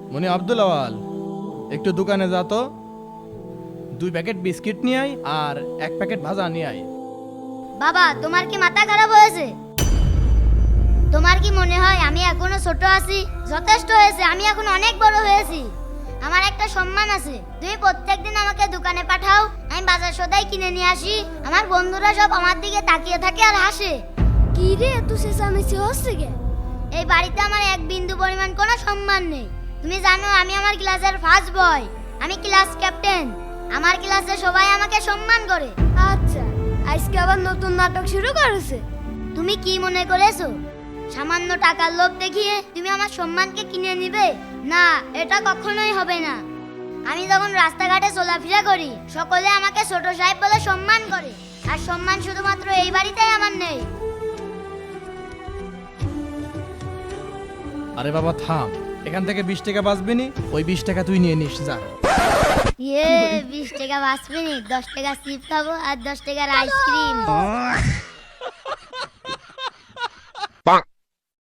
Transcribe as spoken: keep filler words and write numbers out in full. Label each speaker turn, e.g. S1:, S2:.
S1: মনি আব্দুল আওয়াল, একটু দোকানে যা তো, দুই প্যাকেট বিস্কিট নিয়ে আয় আর এক প্যাকেট ভাজা নিয়ে আয়।
S2: বাবা, তোমার কি মাথা খারাপ হয়েছে? তোমার কি মনে হয় আমি এখনো ছোট আছি? যথেষ্ট হয়েছে, আমি এখন অনেক বড় হয়েছি। আমার একটা সম্মান আছে। তুমি প্রত্যেকদিন আমাকে দোকানে পাঠাও, আমি বাজার সদাই কিনে নিয়ে আসি। আমার বন্ধুরা সব আমার দিকে তাকিয়ে থাকে আর হাসে।
S3: কি রে, এত চেঁচামেচি হচ্ছে কে?
S2: এই বাড়িতে আমার এক বিন্দু পরিমাণ কোনো সম্মান নেই। তুমি জানো আমি আমার ক্লাসের ফার্স্ট বয়, আমি ক্লাস ক্যাপ্টেন। আমার ক্লাসে সবাই আমাকে সম্মান করে।
S3: আচ্ছা, আজকে আবার নতুন নাটক শুরু করেছে।
S2: তুমি কি মনে করেছো সামান্য টাকার লোভ দেখিয়ে তুমি আমার সম্মানকে কিনে নিবে? না, এটা কখনোই হবে না। আমি যখন রাস্তাঘাটে চলাফেরা করি সকলে আমাকে ছোট সাহেব বলে সম্মান করে, আর সম্মান শুধুমাত্র এই বাড়িতেই আমার নেই।
S1: আরে বাবা থাম, এখান থেকে বিশ টাকা বাঁচবি নি, ওই বিশ টাকা তুই নিয়ে নিস যা।
S2: ইয়ে, বিশ টাকা বাঁচবে নি, দশ টাকা চিপ খাবো আর দশ টাকার আইসক্রিম।